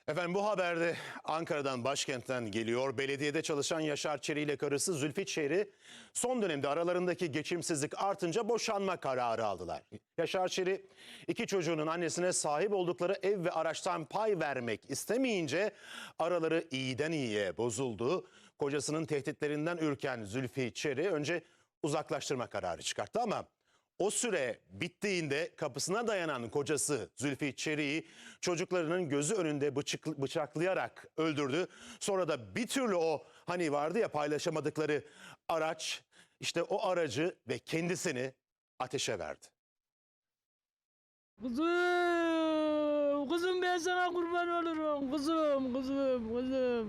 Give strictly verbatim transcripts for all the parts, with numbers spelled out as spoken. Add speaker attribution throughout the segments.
Speaker 1: Efendim bu haberde Ankara'dan, başkentten geliyor. Belediyede çalışan Yaşar Çeri ile karısı Zülfü Çeri son dönemde aralarındaki geçimsizlik artınca boşanma kararı aldılar. Yaşar Çeri iki çocuğunun annesine sahip oldukları ev ve araçtan pay vermek istemeyince araları iyiden iyiye bozuldu. Kocasının tehditlerinden ürken Zülfü Çeri önce uzaklaştırma kararı çıkarttı ama o süre bittiğinde kapısına dayanan kocası Zülfü Çeri'yi çocuklarının gözü önünde bıçık, bıçaklayarak öldürdü. Sonra da bir türlü o hani vardı ya paylaşamadıkları araç, işte o aracı ve kendisini ateşe verdi.
Speaker 2: Kuzum, kuzum ben sana kurban olurum. Kuzum, kuzum, kuzum.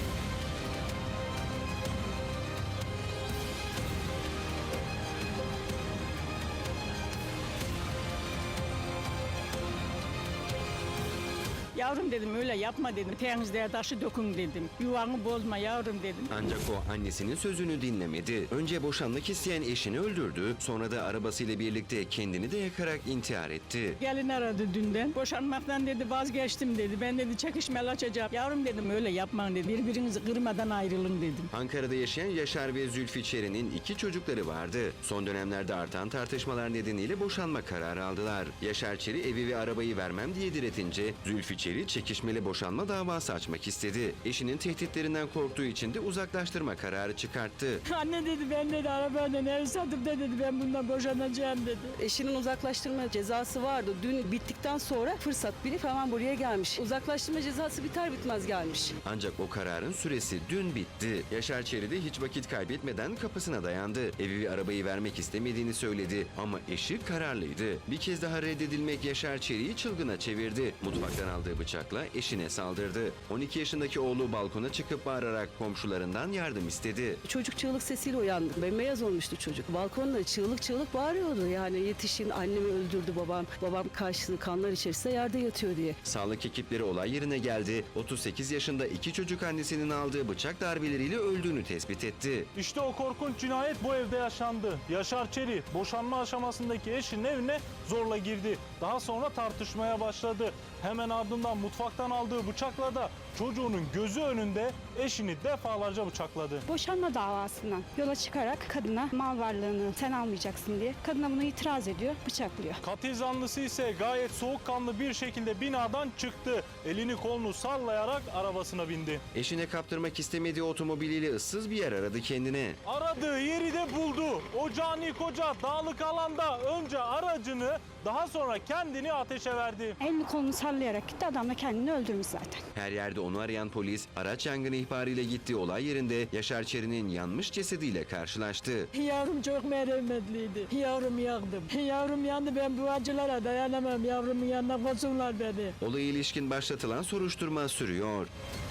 Speaker 2: Yavrum dedim, öyle yapma dedim. Temizliğe taşı dökün dedim. Yuvanı bozma yavrum dedim.
Speaker 3: Ancak o annesinin sözünü dinlemedi. Önce boşanmak isteyen eşini öldürdü. Sonra da arabasıyla birlikte kendini de yakarak intihar etti.
Speaker 2: Gelin aradı dünden. Boşanmaktan dedi vazgeçtim dedi. Ben dedi çekişmeli açacağım. Yavrum dedim öyle yapmayın dedi. Birbirinizi kırmadan ayrılın dedim.
Speaker 3: Ankara'da yaşayan Yaşar ve Zülfü Çeri'nin iki çocukları vardı. Son dönemlerde artan tartışmalar nedeniyle boşanma kararı aldılar. Yaşar Çeri evi ve arabayı vermem diye diretince Zülfü Çeri çekişmeli boşanma davası açmak istedi. Eşinin tehditlerinden korktuğu için de uzaklaştırma kararı çıkarttı.
Speaker 2: Anne dedi ben dedi arabadan ev satıp da dedi ben bundan boşanacağım dedi.
Speaker 4: Eşinin uzaklaştırma cezası vardı. Dün bittikten sonra fırsat bilip hemen buraya gelmiş. Uzaklaştırma cezası biter bitmez gelmiş.
Speaker 3: Ancak o kararın süresi dün bitti. Yaşar Çeri de hiç vakit kaybetmeden kapısına dayandı. Evi ve arabayı vermek istemediğini söyledi ama eşi kararlıydı. Bir kez daha reddedilmek Yaşar Çeri'yi çılgına çevirdi. Mutfaktan aldığı bıçakla eşine saldırdı. on iki yaşındaki oğlu balkona çıkıp bağırarak komşularından yardım istedi.
Speaker 4: Çocuk çığlık sesiyle uyandı. Bembeyaz olmuştu çocuk. Balkonda çığlık çığlık bağırıyordu. Yani yetişin, annemi öldürdü babam. Babam karşılığı kanlar içerisinde yerde yatıyor diye.
Speaker 3: Sağlık ekipleri olay yerine geldi. otuz sekiz yaşında iki çocuk annesinin aldığı bıçak darbeleriyle öldüğünü tespit etti.
Speaker 5: İşte o korkunç cinayet bu evde yaşandı. Yaşar Çeri boşanma aşamasındaki eşinin evine zorla girdi. Daha sonra tartışmaya başladı. Hemen ardından mutfaktan aldığı bıçakla da çocuğunun gözü önünde eşini defalarca bıçakladı.
Speaker 6: Boşanma davasından yola çıkarak kadına mal varlığını sen almayacaksın diye kadına bunu itiraz ediyor, bıçaklıyor.
Speaker 5: Katil zanlısı ise gayet soğukkanlı bir şekilde binadan çıktı. Elini kolunu sallayarak arabasına bindi.
Speaker 3: Eşine kaptırmak istemediği otomobiliyle ıssız bir yer aradı kendine.
Speaker 5: Aradığı yeri de buldu. O cani koca dağlık alanda önce aracını daha sonra kendini ateşe verdi.
Speaker 6: Elini kolunu sallayarak gitti, adam da kendini öldürmüş zaten.
Speaker 3: Her yerde onu arayan polis araç yangını ihbarıyla gittiği olay yerinde Yaşar Çeri'nin yanmış cesediyle karşılaştı.
Speaker 2: Yavrum çok merhametliydi. Yavrum yandım. Yavrum yandı, ben bu acılara dayanamam. Yavrumun yanına koysunlar beni.
Speaker 3: Olaya ilişkin başlatılan soruşturma sürüyor.